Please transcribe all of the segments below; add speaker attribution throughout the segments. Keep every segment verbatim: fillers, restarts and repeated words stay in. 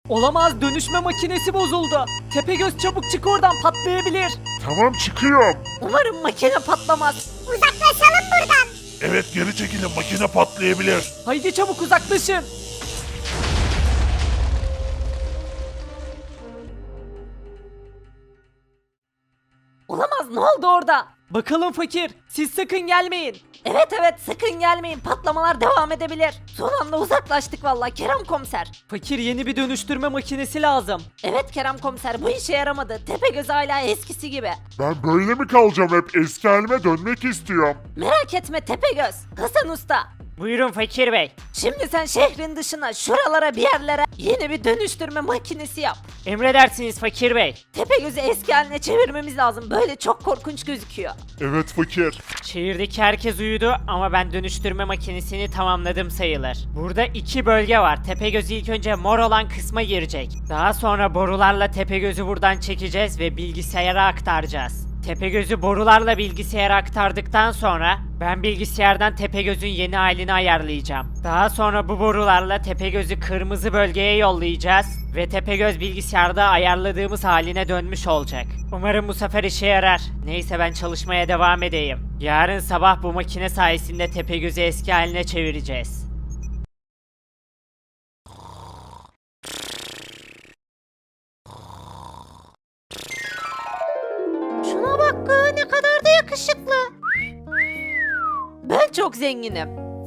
Speaker 1: Olamaz, dönüşme makinesi bozuldu. Tepegöz çabuk çık oradan, patlayabilir.
Speaker 2: Tamam çıkıyorum.
Speaker 1: Umarım makine patlamaz.
Speaker 3: Uzaklaşalım buradan.
Speaker 2: Evet geri çekilin makine patlayabilir.
Speaker 1: Haydi çabuk uzaklaşın. Olamaz, ne oldu orada? Bakalım fakir, siz sakın gelmeyin. Evet evet, sakın gelmeyin, patlamalar devam edebilir. Son anda uzaklaştık vallahi Kerem komiser. Fakir, yeni bir dönüştürme makinesi lazım. Evet Kerem komiser, bu işe yaramadı. Tepegöz hala eskisi gibi.
Speaker 2: Ben böyle mi kalacağım hep eski halime dönmek istiyorum.
Speaker 1: Merak etme Tepegöz, Hasan Usta.
Speaker 4: Buyurun Fakir Bey.
Speaker 1: Şimdi sen şehrin dışına, şuralara bir yerlere yeni bir dönüştürme makinesi yap.
Speaker 4: Emredersiniz Fakir Bey.
Speaker 1: Tepegöz'ü eski haline çevirmemiz lazım. Böyle çok korkunç gözüküyor.
Speaker 2: Evet fakir.
Speaker 4: Şehirdeki herkes uyudu ama ben dönüştürme makinesini tamamladım sayılır. Burada iki bölge var. Tepegöz ilk önce mor olan kısma girecek. Daha sonra borularla Tepegöz'ü buradan çekeceğiz ve bilgisayara aktaracağız. Tepegöz'ü borularla bilgisayara aktardıktan sonra ben bilgisayardan Tepegöz'ün yeni halini ayarlayacağım. Daha sonra bu borularla Tepegöz'ü kırmızı bölgeye yollayacağız ve Tepegöz bilgisayarda ayarladığımız haline dönmüş olacak. Umarım bu sefer işe yarar. Neyse ben çalışmaya devam edeyim. Yarın sabah bu makine sayesinde Tepegöz'ü eski haline çevireceğiz.
Speaker 1: Şuna bak, ne kadar da yakışıklı. Ben çok zenginim.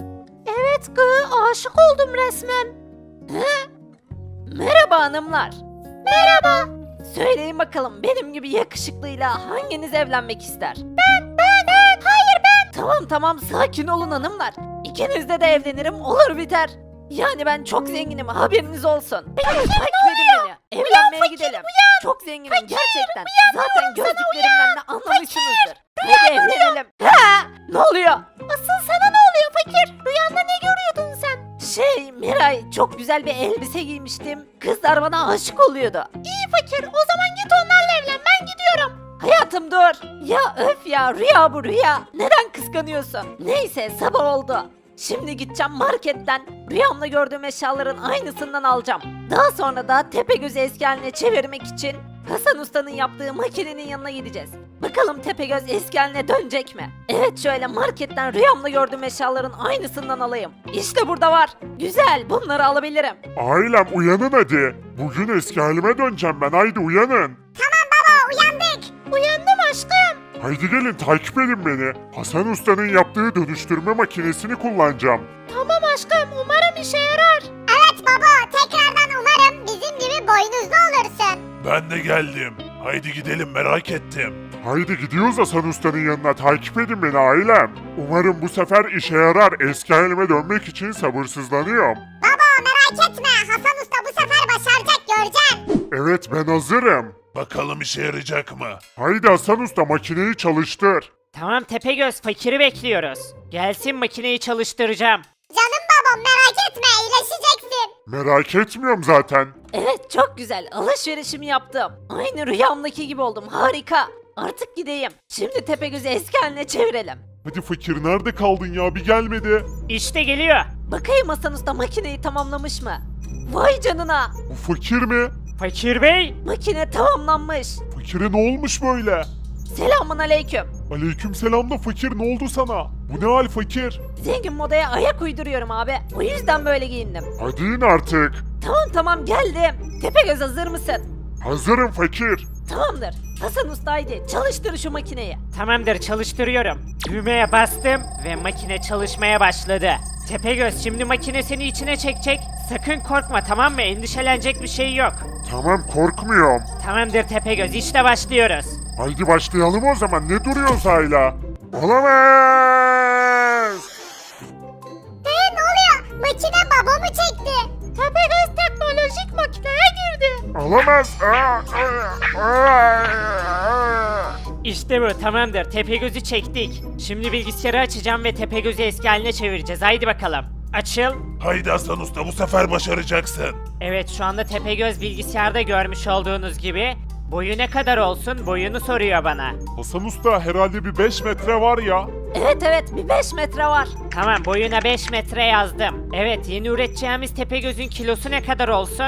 Speaker 1: Evet gı, aşık oldum resmen. He? Merhaba hanımlar. Merhaba. Söyleyin bakalım, benim gibi yakışıklıyla hanginiz evlenmek ister? Ben, ben, ben. Hayır ben. Tamam tamam, sakin olun hanımlar. İkinizde de evlenirim, olur biter. Yani ben çok zenginim, haberiniz olsun. Takip edin beni. Evlenmeye gidelim. Çok zenginim gerçekten. Zaten gördüklerimden de anlamışsınızdır. Hadi evlenelim. Ha, ne oluyor? Asıl sana ne oluyor fakir? Rüyanda ne görüyordun sen? Şey Miray, çok güzel bir elbise giymiştim. Kızlar bana aşık oluyordu. İyi fakir, o zaman git onlarla evlen, ben gidiyorum. Hayatım dur. Ya öf ya, rüya bu rüya. Neden kıskanıyorsun? Neyse, sabah oldu. Şimdi gideceğim marketten rüyamda gördüğüm eşyaların aynısından alacağım. Daha sonra da Tepegöz'ü eski haline çevirmek için Hasan Usta'nın yaptığı makinenin yanına gideceğiz. Bakalım Tepegöz eski haline dönecek mi? Evet, şöyle marketten rüyamda gördüğüm eşyaların aynısından alayım. İşte burada var. Güzel, bunları alabilirim.
Speaker 2: Ailem uyanın hadi. Bugün eski halime döneceğim ben, haydi uyanın.
Speaker 3: Tamam baba, uyandık.
Speaker 1: Uyandım aşkım.
Speaker 2: Haydi gelin takip edin beni. Hasan Usta'nın yaptığı dönüştürme makinesini kullanacağım.
Speaker 1: Tamam aşkım, umarım işe yarar.
Speaker 3: Evet baba, tekrardan umarım bizim gibi boynuzlu olursun.
Speaker 2: Ben de geldim. Haydi gidelim, merak ettim. Haydi gidiyoruz Hasan Usta'nın yanına, takip edin beni ailem. Umarım bu sefer işe yarar, eski halime dönmek için sabırsızlanıyorum.
Speaker 3: Baba merak etme, Hasan Usta bu sefer başaracak, göreceksin.
Speaker 2: Evet ben hazırım. Bakalım işe yarayacak mı? Haydi Hasan Usta makineyi çalıştır.
Speaker 4: Tamam Tepegöz, Fakir'i bekliyoruz. Gelsin makineyi çalıştıracağım.
Speaker 3: Canım babam merak etme, iyileşeceksin.
Speaker 2: Merak etmiyorum zaten.
Speaker 1: Evet, çok güzel. Alışverişimi yaptım. Aynı rüyamdaki gibi oldum. Harika. Artık gideyim. Şimdi Tepegöz'ü eski haline çevirelim.
Speaker 2: Hadi fakir nerede kaldın ya, bir gelmedi.
Speaker 4: İşte geliyor.
Speaker 1: Bakayım Hasan Usta makineyi tamamlamış mı? Vay canına.
Speaker 2: Bu fakir mi?
Speaker 4: Fakir Bey.
Speaker 1: Makine tamamlanmış.
Speaker 2: Fakire ne olmuş böyle?
Speaker 1: Selamun aleyküm.
Speaker 2: Aleykümselam da fakir, ne oldu sana? Bu ne hal fakir?
Speaker 1: Zengin modaya ayak uyduruyorum abi. O yüzden böyle giyindim.
Speaker 2: Hadi in artık.
Speaker 1: Tamam tamam, geldim. Tepegöz hazır mısın?
Speaker 2: Hazırım fakir.
Speaker 1: Tamamdır. Hasan Usta haydi çalıştır şu makineyi.
Speaker 4: Tamamdır, çalıştırıyorum. Düğmeye bastım ve makine çalışmaya başladı. Tepegöz şimdi makinesini içine çekecek. Sakın korkma, tamam mı? Endişelenecek bir şey yok.
Speaker 2: Tamam korkmuyorum.
Speaker 4: Tamamdır Tepegöz, işte başlıyoruz.
Speaker 2: Haydi başlayalım o zaman, ne duruyoruz hala? Olamaz.
Speaker 3: Ee ne oluyor? Makine babamı çekti. Tepegöz teknolojik makineye girdi.
Speaker 2: Olamaz. Aa, aa, aa.
Speaker 4: İşte bu, tamamdır. Tepegöz'ü çektik. Şimdi bilgisayarı açacağım ve Tepegöz'ü eski haline çevireceğiz. Haydi bakalım. Açıl.
Speaker 2: Haydi Hasan Usta, bu sefer başaracaksın.
Speaker 4: Evet, şu anda Tepegöz bilgisayarda görmüş olduğunuz gibi. Boyu ne kadar olsun? Boyunu soruyor bana.
Speaker 2: Hasan Usta herhalde bir beş metre var ya.
Speaker 1: Evet evet, bir beş metre var.
Speaker 4: Tamam, boyuna beş metre yazdım. Evet, yeni üreteceğimiz Tepegöz'ün kilosu ne kadar olsun?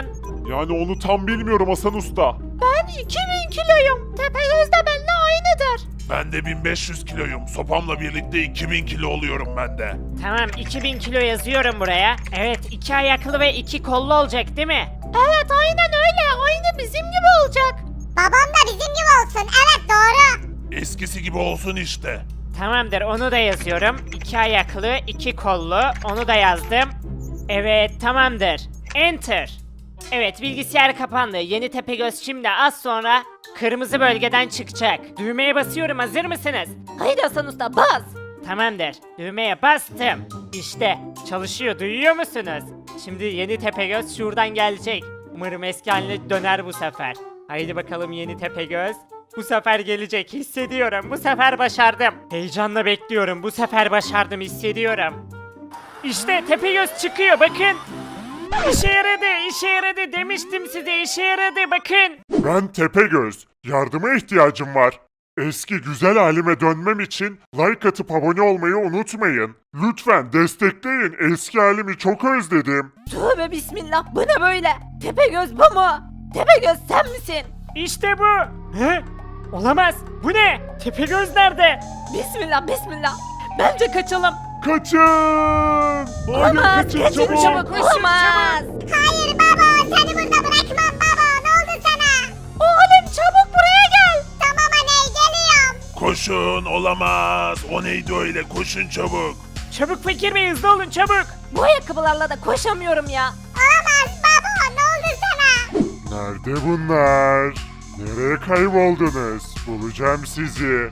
Speaker 2: Yani onu tam bilmiyorum Hasan Usta.
Speaker 1: Ben iki bin kiloyum. Tepegöz de benimle aynıdır.
Speaker 2: Ben de bin beş yüz kiloyum. Sopamla birlikte iki bin kilo oluyorum ben de.
Speaker 4: Tamam iki bin kilo yazıyorum buraya. Evet iki ayaklı ve iki kollu olacak değil mi?
Speaker 1: Evet aynen öyle. Aynı bizim gibi olacak.
Speaker 3: Babam da bizim gibi olsun. Evet doğru.
Speaker 2: Eskisi gibi olsun işte.
Speaker 4: Tamamdır onu da yazıyorum. İki ayaklı, iki kollu. Onu da yazdım. Evet tamamdır. Enter. Evet bilgisayar kapandı. Yeni Tepegöz şimdi az sonra kırmızı bölgeden çıkacak. Düğmeye basıyorum hazır mısınız?
Speaker 1: Haydi Hasan Usta bas.
Speaker 4: Tamamdır. Düğmeye bastım. İşte çalışıyor duyuyor musunuz? Şimdi yeni Tepegöz şuradan gelecek. Umarım eski haline döner bu sefer. Haydi bakalım yeni Tepegöz. Bu sefer gelecek hissediyorum. Bu sefer başardım. Heyecanla bekliyorum. Bu sefer başardım hissediyorum. İşte Tepegöz çıkıyor bakın. İşe yaradı, işe yaradı demiştim size işe yaradı bakın.
Speaker 2: Ben Tepegöz. Yardıma ihtiyacım var. Eski güzel halime dönmem için like atıp abone olmayı unutmayın. Lütfen destekleyin. Eski halimi çok özledim.
Speaker 1: Tövbe bismillah bu ne böyle? Tepegöz bu mu? Tepegöz sen misin?
Speaker 4: İşte bu. He? Olamaz. Bu ne? Tepegöz nerede?
Speaker 1: Bismillah bismillah. Bence kaçalım.
Speaker 2: Kaçın! Hayır
Speaker 1: Olamaz.
Speaker 2: kaçın
Speaker 1: Kaçın
Speaker 2: çabuk.
Speaker 1: çabuk. Olamaz.
Speaker 3: Hayır baba seni burada bırakmam baba. Ne oldu sana?
Speaker 1: Oğlum çabuk buraya gel.
Speaker 3: Tamam anne geliyorum.
Speaker 2: Koşun olamaz. O neydi öyle? Koşun çabuk.
Speaker 4: Çabuk Fakir Bey hızlı olun çabuk.
Speaker 1: Bu ayakkabılarla da koşamıyorum ya.
Speaker 3: Olamaz baba ne oldu sana?
Speaker 2: Nerede bunlar? Nereye kayboldunuz? Bulacağım sizi.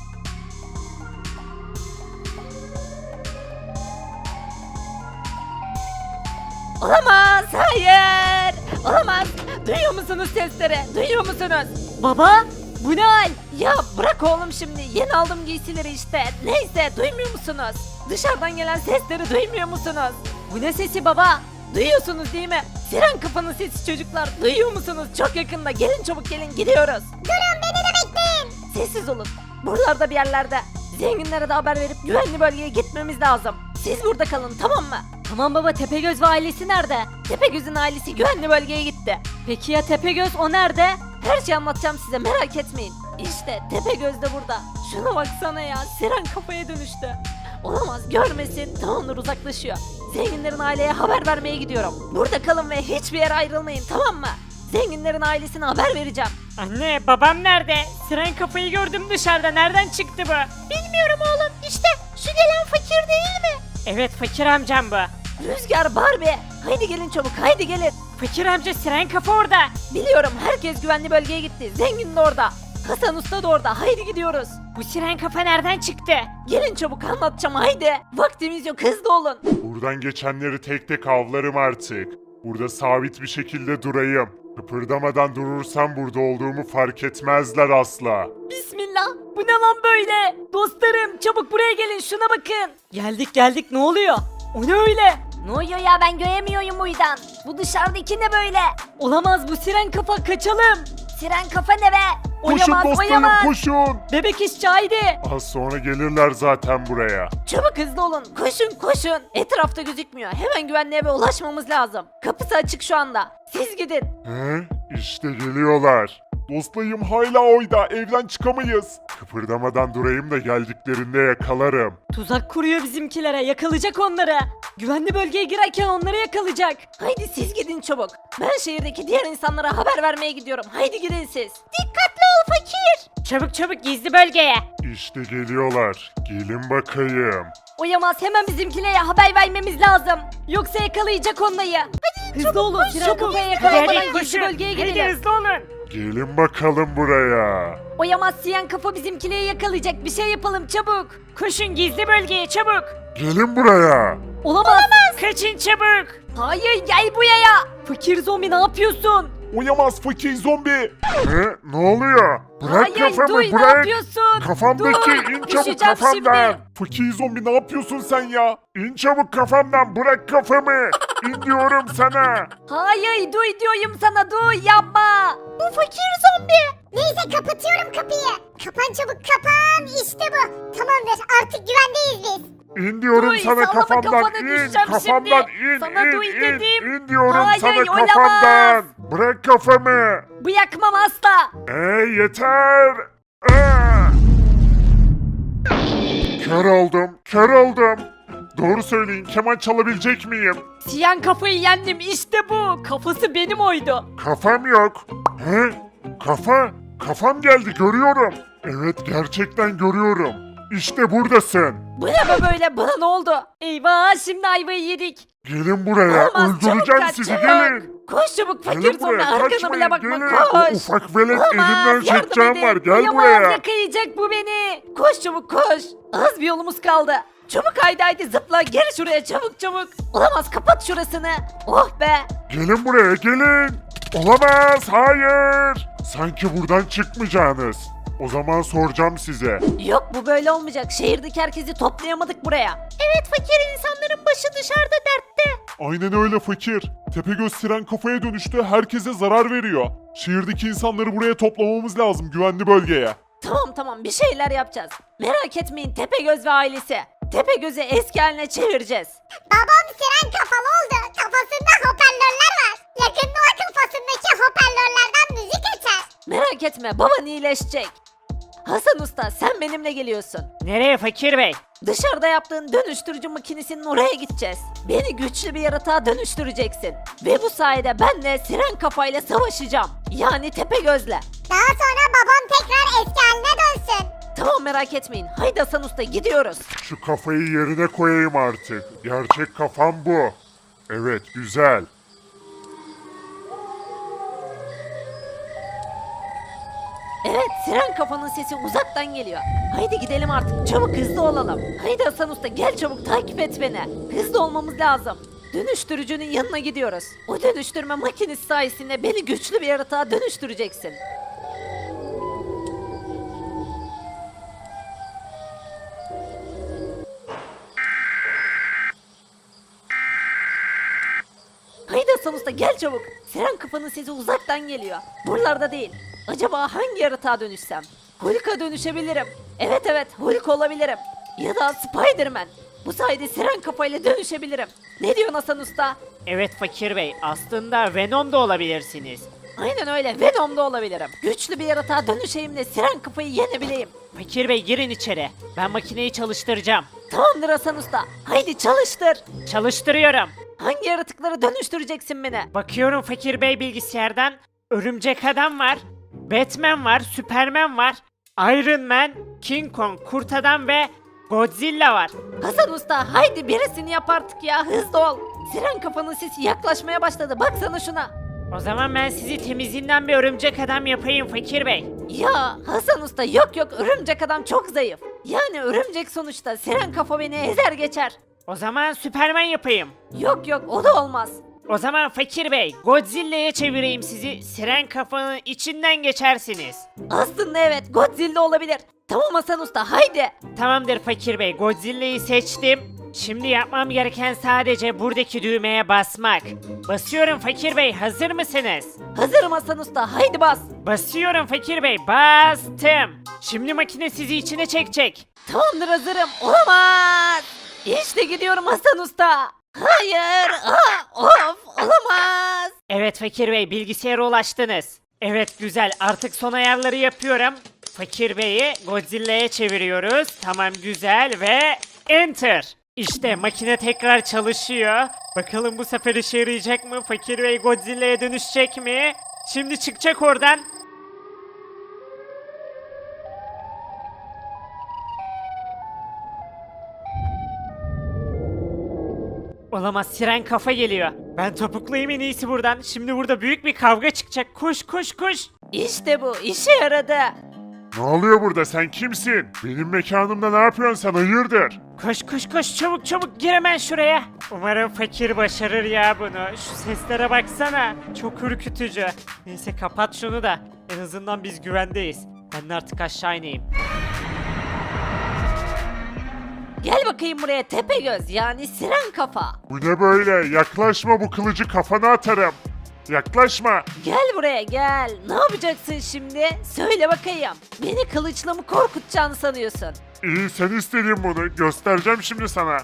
Speaker 1: Olamaz. Hayır. Olamaz. Duyuyor musunuz sesleri? Duyuyor musunuz? Baba bu ne hal? Ya bırak oğlum şimdi. Yeni aldım giysileri işte. Neyse duymuyor musunuz? Dışarıdan gelen sesleri duymuyor musunuz? Bu ne sesi baba? Duyuyorsunuz değil mi? Siren kafanın sesi çocuklar. Duyuyor musunuz? Çok yakında. Gelin çabuk gelin gidiyoruz.
Speaker 3: Durun beni de bekleyin.
Speaker 1: Sessiz olun. Buralarda bir yerlerde. Zenginlere de haber verip güvenli bölgeye gitmemiz lazım. Siz burada kalın tamam mı? Tamam baba Tepegöz ve ailesi nerede? Tepegöz'ün ailesi güvenli bölgeye gitti. Peki ya Tepegöz o nerede? Her şeyi anlatacağım size merak etmeyin. İşte Tepegöz de burada. Şuna baksana ya siren kafaya dönüştü. Olamaz görmesin tamamdır uzaklaşıyor. Zenginlerin aileye haber vermeye gidiyorum. Burada kalın ve hiçbir yere ayrılmayın tamam mı? Zenginlerin ailesine haber vereceğim.
Speaker 4: Anne babam nerede? Siren kafayı gördüm dışarıda nereden çıktı bu?
Speaker 1: Bilmiyorum oğlum işte şu gelen fakir değil mi?
Speaker 4: Evet fakir amcam bu.
Speaker 1: Rüzgar Barbie. Haydi gelin çabuk haydi gelin.
Speaker 4: Fakir amca siren kafa orada.
Speaker 1: Biliyorum herkes güvenli bölgeye gitti. Zengin de orada. Hasan Usta da orada. Haydi gidiyoruz.
Speaker 4: Bu siren kafa nereden çıktı?
Speaker 1: Gelin çabuk anlatacağım haydi. Vaktimiz yok hızlı olun.
Speaker 2: Buradan geçenleri tek tek avlarım artık. Burada sabit bir şekilde durayım. Kıpırdamadan durursam burada olduğumu fark etmezler asla.
Speaker 1: Bismillah. Bu ne lan böyle? Dostlarım çabuk buraya gelin şuna bakın. Geldik geldik ne oluyor? O ne öyle? Ne oluyor ya ben göremiyorum uydan. Bu dışarıdaki ne böyle? Olamaz bu siren kafa kaçalım. Siren kafa ne be?
Speaker 2: Koşun
Speaker 1: Oyamaz
Speaker 2: dostlarım
Speaker 1: oyamaz.
Speaker 2: koşun.
Speaker 1: Bebek işçi haydi.
Speaker 2: Az sonra gelirler zaten buraya.
Speaker 1: Çabuk hızlı olun. Koşun koşun. Etrafta gözükmüyor. Hemen güvenli eve ulaşmamız lazım. Kapısı açık şu anda. Siz gidin.
Speaker 2: He? İşte geliyorlar. Dostlayım hala oyda. Evden çıkamayız. Kıpırdamadan durayım da geldiklerinde yakalarım.
Speaker 1: Tuzak kuruyor bizimkilere. Yakalayacak onları. Güvenli bölgeye girerken onları yakalayacak. Haydi siz gidin çabuk. Ben şehirdeki diğer insanlara haber vermeye gidiyorum. Haydi gidin siz. Dikkatli ol fakir.
Speaker 4: Çabuk çabuk gizli bölgeye.
Speaker 2: İşte geliyorlar. Gelin bakayım.
Speaker 1: Uyamaz hemen bizimkilere haber vermemiz lazım. Yoksa yakalayacak onları. Hadi hızlı olun. Siren kafaya
Speaker 4: Hadi
Speaker 1: yakalayamadan
Speaker 4: hadi
Speaker 1: gizli
Speaker 4: koşun.
Speaker 1: bölgeye
Speaker 4: Hadi
Speaker 1: girelim.
Speaker 4: hızlı olun.
Speaker 2: Gelin bakalım buraya.
Speaker 1: Uyamaz siyen kafa bizimkileri yakalayacak. Bir şey yapalım çabuk.
Speaker 4: Koşun gizli bölgeye çabuk.
Speaker 2: Gelin buraya.
Speaker 1: Olamaz.
Speaker 4: Kaçın çabuk.
Speaker 1: Hayır gel buraya. Fakir zombi ne yapıyorsun?
Speaker 2: Uyamaz fakir zombi. Ne? Ne oluyor? Bırak
Speaker 1: Hayır
Speaker 2: kafamı
Speaker 1: duy ne
Speaker 2: bırak.
Speaker 1: yapıyorsun?
Speaker 2: Kafamdaki
Speaker 1: Dur,
Speaker 2: in çabuk
Speaker 1: düşeceğim
Speaker 2: kafamdan.
Speaker 1: şimdi.
Speaker 2: Fakir zombi ne yapıyorsun sen ya? İn çabuk kafamdan bırak kafamı. İn diyorum sana.
Speaker 1: Hayır duy diyorum sana duy yapma. Bu fakir zombi.
Speaker 3: Neyse kapatıyorum kapıyı. Kapan çabuk kapan. İşte bu. Tamamdır artık güvendeyiz biz.
Speaker 2: İn diyorum
Speaker 1: Duy,
Speaker 2: sana
Speaker 1: sallama
Speaker 2: kafamdan
Speaker 1: kafana
Speaker 2: in.
Speaker 1: düşeceğim
Speaker 2: Kafamdan
Speaker 1: şimdi.
Speaker 2: in
Speaker 1: Sana
Speaker 2: in
Speaker 1: duy
Speaker 2: in.
Speaker 1: dedim.
Speaker 2: İn diyorum
Speaker 1: Hayır,
Speaker 2: sana
Speaker 1: oynamaz.
Speaker 2: kafamdan. Bırak kafamı.
Speaker 1: Bırakmam asla.
Speaker 2: Ey yeter. Aa! Kör oldum. Kör oldum. Doğru söyleyin, keman çalabilecek miyim?
Speaker 1: Siyan kafayı yendim işte bu. Kafası benim oydu.
Speaker 2: Kafam yok. He? Kafa? Kafam geldi, görüyorum. Evet, gerçekten görüyorum. İşte buradasın.
Speaker 1: Bu ne be böyle, bana ne oldu? Eyvah, şimdi ayvayı yedik.
Speaker 2: Gelin buraya,
Speaker 1: Olmaz, çabuk
Speaker 2: öldüreceğim
Speaker 1: kaç,
Speaker 2: sizi,
Speaker 1: çabuk.
Speaker 2: gelin.
Speaker 1: Koş çabuk fakir,
Speaker 2: Gelin
Speaker 1: sonra
Speaker 2: buraya,
Speaker 1: arkana
Speaker 2: kaçmayın,
Speaker 1: bile bakma,
Speaker 2: gelin.
Speaker 1: koş.
Speaker 2: O ufak velet elimden
Speaker 1: yardım
Speaker 2: çekeceğim
Speaker 1: edin.
Speaker 2: var, gel
Speaker 1: Uyamaz,
Speaker 2: buraya.
Speaker 1: yakalayacak bu beni. Koş çabuk koş. Az bir yolumuz kaldı. Çabuk haydi haydi zıpla, gel şuraya çabuk çabuk. Olamaz, kapat şurasını. Oh be.
Speaker 2: Gelin buraya, gelin. Olamaz, hayır. Sanki buradan çıkmayacaksınız. O zaman soracağım size.
Speaker 1: Yok, bu böyle olmayacak. Şehirdeki herkesi toplayamadık buraya. Evet fakir, insanların başı dışarıda dertte.
Speaker 2: Aynen öyle fakir. Tepegöz siren kafaya dönüştü, herkese zarar veriyor. Şehirdeki insanları buraya toplamamız lazım, güvenli bölgeye.
Speaker 1: Tamam tamam, bir şeyler yapacağız. Merak etmeyin Tepegöz ve ailesi. Tepegöz'ü eski haline çevireceğiz.
Speaker 3: Babam siren kafalı oldu. Kafasında hoparlörler var. Yakında o kafasındaki hoparlörlerden müzik açar.
Speaker 1: Merak etme, baban iyileşecek. Hasan Usta, sen benimle geliyorsun.
Speaker 4: Nereye fakir bey?
Speaker 1: Dışarıda yaptığın dönüştürücü makinesinin oraya gideceğiz. Beni güçlü bir yaratığa dönüştüreceksin. Ve bu sayede ben de siren kafayla savaşacağım. Yani Tepegöz'le.
Speaker 3: Daha sonra babam tekrar eski haline dönsün.
Speaker 1: Tamam, merak etmeyin. Haydi Hasan Usta, gidiyoruz.
Speaker 2: Şu kafayı yerine koyayım artık. Gerçek kafam bu. Evet, güzel.
Speaker 1: Evet, siren kafanın sesi uzaktan geliyor. Haydi gidelim artık, çabuk hızlı olalım. Haydi Hasan Usta, gel çabuk takip et beni. Hızlı olmamız lazım. Dönüştürücünün yanına gidiyoruz. O dönüştürme makinesi sayesinde beni güçlü bir yaratığa dönüştüreceksin. Haydi Hasan Usta, gel çabuk. Siren kafanın sesi uzaktan geliyor. Buralarda değil. Acaba hangi yaratığa dönüşsem? Hulk'a dönüşebilirim. Evet evet, Hulk olabilirim. Ya da Spiderman. Bu sayede siren kafayla dönüşebilirim. Ne diyorsun Hasan Usta?
Speaker 4: Evet fakir bey, aslında Venom da olabilirsiniz.
Speaker 1: Aynen öyle, Venom'da olabilirim. Güçlü bir yaratığa dönüşeyim de siren kafayı yenebileyim.
Speaker 4: Fakir bey girin içeri. Ben makineyi çalıştıracağım.
Speaker 1: Tamamdır Hasan Usta. Haydi çalıştır.
Speaker 4: Çalıştırıyorum.
Speaker 1: Hangi yaratıklara dönüştüreceksin beni?
Speaker 4: Bakıyorum fakir bey bilgisayardan. Örümcek adam var. Batman var. Superman var. Iron Man, King Kong, Kurt Adam ve Godzilla var.
Speaker 1: Hasan Usta, haydi birisini yap artık ya, hızlı ol. Siren kafanın sesi yaklaşmaya başladı, baksana şuna.
Speaker 4: O zaman ben sizi temizinden bir örümcek adam yapayım fakir bey.
Speaker 1: Ya Hasan Usta, yok yok, örümcek adam çok zayıf. Yani örümcek sonuçta, siren kafa beni ezer geçer.
Speaker 4: O zaman Superman yapayım.
Speaker 1: Yok yok, o da olmaz.
Speaker 4: O zaman fakir bey Godzilla'ya çevireyim sizi. Siren kafanın içinden geçersiniz.
Speaker 1: Aslında evet, Godzilla olabilir. Tamam Hasan Usta, haydi.
Speaker 4: Tamamdır fakir bey, Godzilla'yı seçtim. Şimdi yapmam gereken sadece buradaki düğmeye basmak. Basıyorum fakir bey, hazır mısınız?
Speaker 1: Hazırım Hasan Usta, haydi bas.
Speaker 4: Basıyorum fakir bey, bastım. Şimdi makine sizi içine çekecek.
Speaker 1: Tamamdır, hazırım. Olamaz. İşte gidiyorum Hasan Usta. Hayır. Aa, of, olamaz.
Speaker 4: Evet fakir bey, bilgisayara ulaştınız. Evet güzel, artık son ayarları yapıyorum. Fakir beyi Godzilla'ya çeviriyoruz. Tamam güzel ve enter. İşte makine tekrar çalışıyor. Bakalım bu sefer işe yarayacak mı? Fakir bey Godzilla'ya dönüşecek mi? Şimdi çıkacak oradan. Olamaz, siren kafa geliyor. Ben topuklayayım en iyisi buradan. Şimdi burada büyük bir kavga çıkacak. Koş koş koş.
Speaker 1: İşte bu, işe yaradı.
Speaker 2: Ne oluyor burada, sen kimsin? Benim mekanımda ne yapıyorsun sen, hayırdır?
Speaker 4: Koş koş koş, çabuk çabuk gir hemen şuraya. Umarım fakir başarır ya bunu. Şu seslere baksana. Çok ürkütücü. Neyse kapat şunu da. En azından biz güvendeyiz. Ben de artık aşağı ineyim.
Speaker 1: Gel bakayım buraya Tepegöz, yani siren kafa.
Speaker 2: Bu ne böyle? Yaklaşma, bu kılıcı kafana atarım. Yaklaşma.
Speaker 1: Gel buraya gel. Ne yapacaksın şimdi? Söyle bakayım. Beni kılıçla mı korkutacağını sanıyorsun?
Speaker 2: İyi sen istedin bunu. Göstereceğim şimdi sana.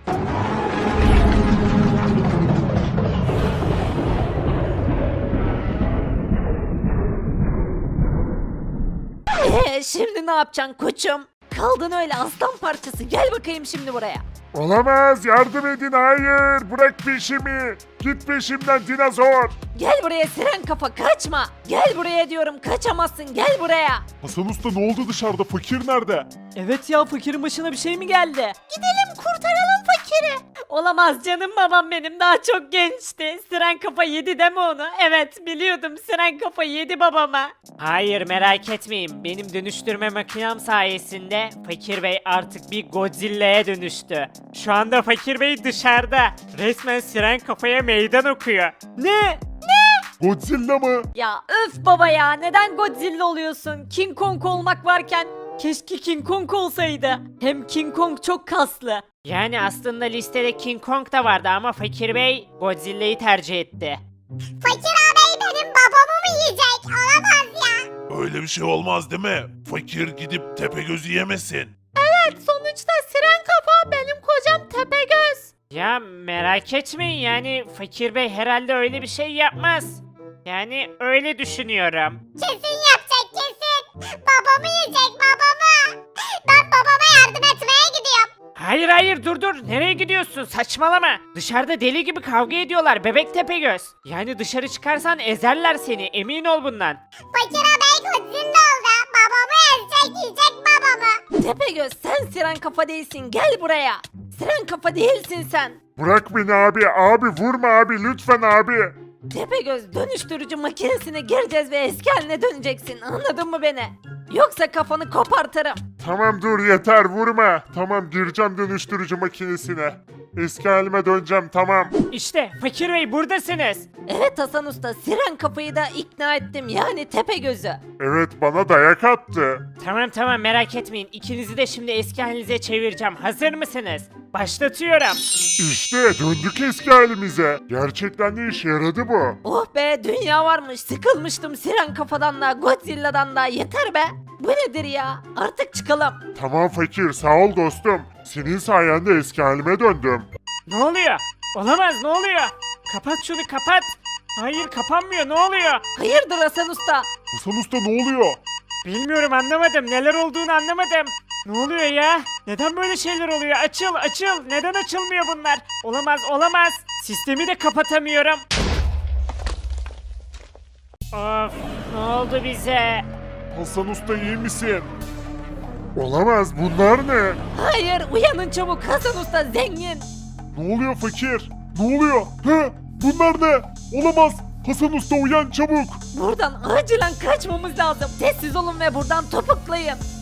Speaker 1: Ee, şimdi ne yapacaksın koçum? Kaldın öyle aslan parçası. Gel bakayım şimdi buraya.
Speaker 2: Olamaz, yardım edin, hayır, bırak peşimi. Git peşimden dinozor.
Speaker 1: Gel buraya siren kafa, kaçma. Gel buraya diyorum, kaçamazsın, gel buraya.
Speaker 2: Hasan Usta ne oldu dışarıda, fakir nerede?
Speaker 1: Evet ya, fakirin başına bir şey mi geldi? Gidelim kurtaralım fakiri. Olamaz canım babam benim, daha çok gençti. Siren kafa yedi deme onu. Evet biliyordum, siren kafa yedi babama.
Speaker 4: Hayır merak etmeyin. Benim dönüştürme makinem sayesinde Fakir Bey artık bir Godzilla'ya dönüştü. Şu anda Fakir Bey dışarıda. Resmen siren kafaya meydan okuyor.
Speaker 1: Ne?
Speaker 2: Godzilla mı?
Speaker 1: Ya öf baba ya, neden Godzilla oluyorsun? King Kong olmak varken keşke King Kong olsaydı. Hem King Kong çok kaslı.
Speaker 4: Yani aslında listede King Kong da vardı ama Fakir Bey Godzilla'yı tercih etti.
Speaker 3: Fakir ağabey benim babamı mı yiyecek? Olamaz ya.
Speaker 2: Öyle bir şey olmaz değil mi? Fakir gidip Tepegöz'ü yemesin.
Speaker 1: Evet, sonuçta siren kafa benim kocam Tepegöz.
Speaker 4: Ya merak etmeyin yani Fakir Bey herhalde öyle bir şey yapmaz. Yani öyle düşünüyorum.
Speaker 3: Kesin yapacak kesin. Babamı yiyecek babamı. Ben babama yardım etmeye gidiyorum.
Speaker 4: Hayır hayır dur dur nereye gidiyorsun saçmalama. Dışarıda deli gibi kavga ediyorlar bebek Tepegöz. Yani dışarı çıkarsan ezerler seni emin ol bundan.
Speaker 3: Fakir ağabey Godzilla oldu. Babamı ezecek yiyecek babamı.
Speaker 1: Tepegöz, sen siren kafa değilsin, gel buraya. Siren kafa değilsin sen.
Speaker 2: Bırak beni abi, abi vurma abi, lütfen abi.
Speaker 1: Tepegöz, dönüştürücü makinesine gireceğiz ve eski haline döneceksin, anladın mı beni? Yoksa kafanı kopartırım.
Speaker 2: Tamam dur yeter, vurma. Tamam, gireceğim dönüştürücü makinesine. Eski halime döneceğim, tamam.
Speaker 4: İşte Fakir Bey buradasınız.
Speaker 1: Evet Hasan Usta, siren kafayı da ikna ettim, yani Tepegöz'ü.
Speaker 2: Evet, bana dayak attı.
Speaker 4: Tamam tamam merak etmeyin ikinizi de şimdi eski halinize çevireceğim hazır mısınız? Başlatıyorum.
Speaker 2: İşte döndük eski halimize. Gerçekten de işe yaradı bu.
Speaker 1: Oh be, dünya varmış, sıkılmıştım siren kafadan da Godzilla'dan da, yeter be. Bu nedir ya, artık çıkalım.
Speaker 2: Tamam fakir, sağ ol dostum. Senin sayende eski halime döndüm.
Speaker 4: Ne oluyor? Olamaz ne oluyor? Kapat şunu kapat. Hayır kapanmıyor ne oluyor?
Speaker 1: Hayırdır Hasan Usta?
Speaker 2: Hasan Usta ne oluyor?
Speaker 4: Bilmiyorum anlamadım neler olduğunu anlamadım. Ne oluyor ya? Neden böyle şeyler oluyor? Açıl açıl. Neden açılmıyor bunlar? Olamaz olamaz. Sistemi de kapatamıyorum. Of ne oldu bize?
Speaker 2: Hasan Usta iyi misin? Olamaz, bunlar ne?
Speaker 1: Hayır, uyanın çabuk, Hasan Usta zengin.
Speaker 2: Ne oluyor fakir? Ne oluyor? He? Bunlar ne? Olamaz. Hasan Usta uyan çabuk.
Speaker 1: Buradan acilen kaçmamız lazım. Sessiz olun ve buradan topuklayın.